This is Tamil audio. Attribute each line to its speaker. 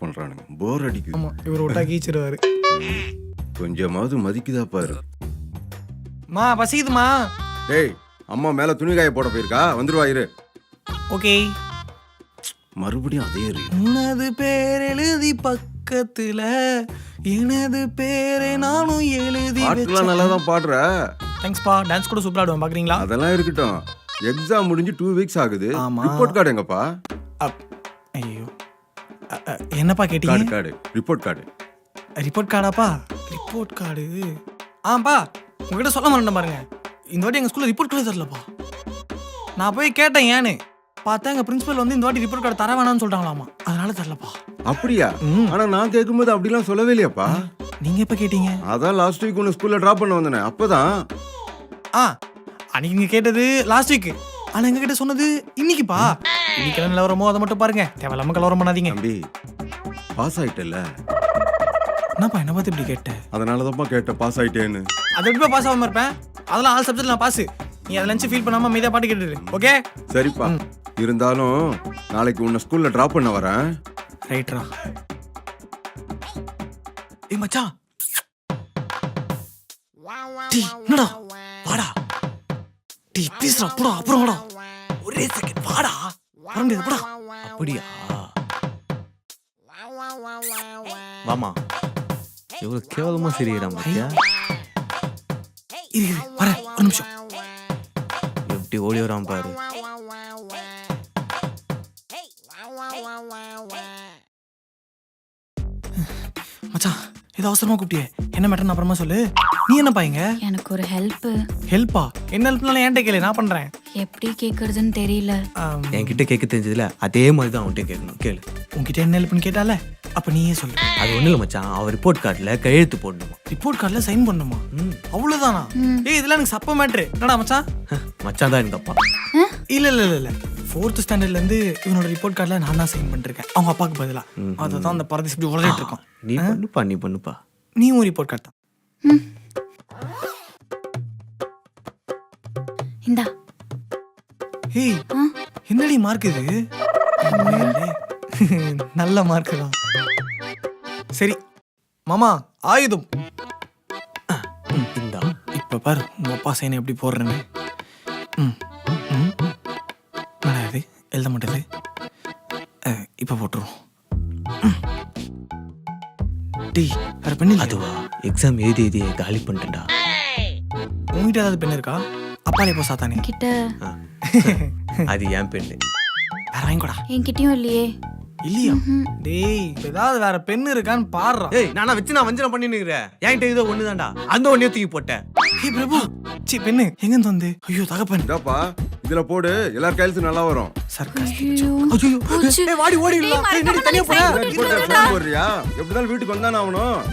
Speaker 1: பண்றானுங்க. போர் அடிக்குது.
Speaker 2: ஆமா இவர் விட்டா கீச்சிருவாரு.
Speaker 1: கொஞ்சமாவது மதிக்குதா பாரு.
Speaker 2: மா பசிக்குதுமா.
Speaker 1: டேய் அம்மா மேல துணி காய போட போயிருக்கா, வந்துருவா இரு.
Speaker 2: ஓகே.
Speaker 1: மறுபடியும் அதே ரீ.
Speaker 2: உனது பேர் எழுதி பக்கத்துல எனது பேரை நானும் எழுதி
Speaker 1: பாட்டுலாம் நல்லா தான் பாடுற.
Speaker 2: தேங்க்ஸ்பா. டான்ஸ் கூட சூப்பரா ஆடுவேன், பாக்குறீங்களா?
Speaker 1: அதெல்லாம் இருக்கட்டும். எக்ஸாம் முடிஞ்சு 2 வீக்ஸ் ஆகுது.
Speaker 2: ஆமா.
Speaker 1: ரிப்போர்ட் கார்டு எங்கப்பா?
Speaker 2: ஐயோ என்னப்பா கேட்டீங்க?
Speaker 1: Card report card.
Speaker 2: ரிப்போர்ட் கார்டாப்பா? ரிப்போர்ட் கார்டு ஆப்பா உங்ககிட்ட சொல்ல மாட்டேன் பாருங்க. இந்த வாட்டி எங்க ஸ்கூல்ல ரிப்போர்ட் கார்டு தரலப்பா. நான் போய் கேட்டேன் ஏன்னு பார்த்தா எங்க பிரின்சிபல் வந்து இந்த வாட்டி ரிப்போர்ட் கார்டு தர வேணாம்னு சொல்லிட்டாங்களாமா. அதனால தரலப்பா.
Speaker 1: அப்படியா? ஆனா நான் கேட்கும்போது அப்படிலாம் சொல்லவே இல்லையாப்பா.
Speaker 2: நீங்க எப்ப கேட்டீங்க?
Speaker 1: அதான் லாஸ்ட் வீக் உன்னை ஸ்கூல்ல டிராப் பண்ண வந்தேனே அப்பதான்.
Speaker 2: அன்னைக்கு நீங்க கேட்டது லாஸ்ட் வீக். ஆனா எங்க கிட்ட சொன்னது இன்னைக்குப்பா. இன்னைக்கு என்ன நிலவரமோ அதை மட்டும் பாருங்க. தேவையில்லாம கலவரம் பண்ணாதீங்க.
Speaker 1: தம்பி பாஸ் ஆயிட்டல.
Speaker 2: என்னப்பா என்ன பார்த்து இப்படி கேட்ட?
Speaker 1: அதனாலதான்ப்பா கேட்டேன் பாஸ் ஆயிட்டேன்னு.
Speaker 2: அது எப்படிப்பா பாஸ் ஆகாம இருப்பேன்? அதெல்லாம் ஆல் சப்ஜெக்ட்ல நான் பாஸ். நீ அதை நினைச்சு ஃபீல் பண்ணாம மீதா பாட்டு கேட்டுரு. ஓகே
Speaker 1: சரிப்பா. இருந்தாலும் நாளைக்கு உன்னை ஸ்கூல்ல டிராப் பண்ண வரேன்.
Speaker 2: ரைட்ரா. ஏய் மச்சான். என்னடா வாடா. ப்ளீஸ்டா போடா. அப்புறம் வாடா. ஒரே செகண்ட் வாடா. வர முடியாது போடா.
Speaker 3: அப்படியா? வாமா. எவ்வளவு கேவலமா சிரிக்கிறான் பாத்தியா?
Speaker 2: இரு வரேன் ஒரு நிமிஷம்.
Speaker 3: எப்படி ஓடி வரான் பாரு.
Speaker 2: மச்சான் ஏதோ அவசரமா கூப்பிட்டியே, என்ன மேட்டர்னு அப்புறமா சொல்லு. நீ என்ன பாய்ங்க?
Speaker 4: எனக்கு ஒரு ஹெல்ப்.
Speaker 2: ஹெல்ப்பா? என்ன ஹெல்ப்னாலும் என்கிட்ட கேளு, நான் பண்றேன்.
Speaker 4: எப்படி கேக்குறதுன்னு தெரியல.
Speaker 3: என்கிட்ட கேட்க தெரிஞ்சதுல அதே மாதிரி தான் அவன்கிட்ட கேட்கணும். கேளு.
Speaker 2: உன்கிட்ட என்ன ஹெல்ப்னு கேட்டால அப்ப நீயே சொல்லு.
Speaker 3: அது ஒண்ணு இல்ல மச்சான், அவன் ரிப்போர்ட் கார்டுல கையெழுத்து போடணுமா.
Speaker 2: ரிப்போர்ட் கார்டுல சைன் பண்ணுமா? அவ்வளவுதானா? ஏய் இதெல்லாம் எனக்கு சப்ப மேட்ரு. என்னடா மச்சான்?
Speaker 3: மச்சான் தான் எனக்கு அப்பா.
Speaker 2: இல்ல இல்ல இல்ல இல்ல 4th ஸ்டாண்டர்ட்ல இருந்து இவனோட ரிப்போர்ட் கார்டுல நான் தான் சைன் பண்ணிருக்கேன் அவங்க அப்பாக்கு பதிலா. அதுதான் அந்த பரதேசி இப்படி உளறிட்டு இருக்கான்.
Speaker 3: நீ பண்ணுப்பா.
Speaker 2: நீ ஒரு ரிப்போர்ட் கார்டு தான்.
Speaker 4: இந்தா.
Speaker 2: ஏய் என்னடி மார்க் இது? நல்ல மார்க் தான். சரி மாமா ஆயுதம்.
Speaker 3: இந்தா.
Speaker 2: இப்ப பாரு உங்க அப்பா சைன் எப்படி போடுறேன்னு. இது எழுத மாட்டேது. இப்ப போட்டுருவோம். டீ வேற பெண்ணு
Speaker 3: அதுவா? எக்ஸாம் எழுதி காலி பண்ணிட்டேன்டா.
Speaker 2: உங்ககிட்ட ஏதாவது பெண்ணு இருக்கா? அப்பாலே போ சாத்தானே
Speaker 4: கிட்ட.
Speaker 3: அது என் பெண்ணு.
Speaker 2: வேற வாங்கிக்கூடா.
Speaker 4: என்கிட்டயும் இல்லையே.
Speaker 2: இல்லையா? டேய் ஏதாவது வேற பெண்ணு இருக்கான்னு பாடுறா.
Speaker 3: ஏய் நானா வச்சு நான் வஞ்சனம் பண்ணி நிக்கிறேன். என்கிட்ட இதோ ஒண்ணுதான்டா. அந்த ஒண்ணே தூக்கி போட்டேன்.
Speaker 2: ஏய் பிரபு சி பெண்ணு எங்க இருந்து வந்து? ஐயோ தகப்பன்.
Speaker 1: இதாப்பா இதுல போடு, எல்லார் கையிலும் நல்லா வரும்.
Speaker 2: சர்க்காஸ்டிக். ஐயோ ஏய் வாடி ஓடிடலாம். என்னடி தனியா போற?
Speaker 1: போடுறியா? எப்படிதான் வீட்டுக்கு வந்தானே ஆகணும்.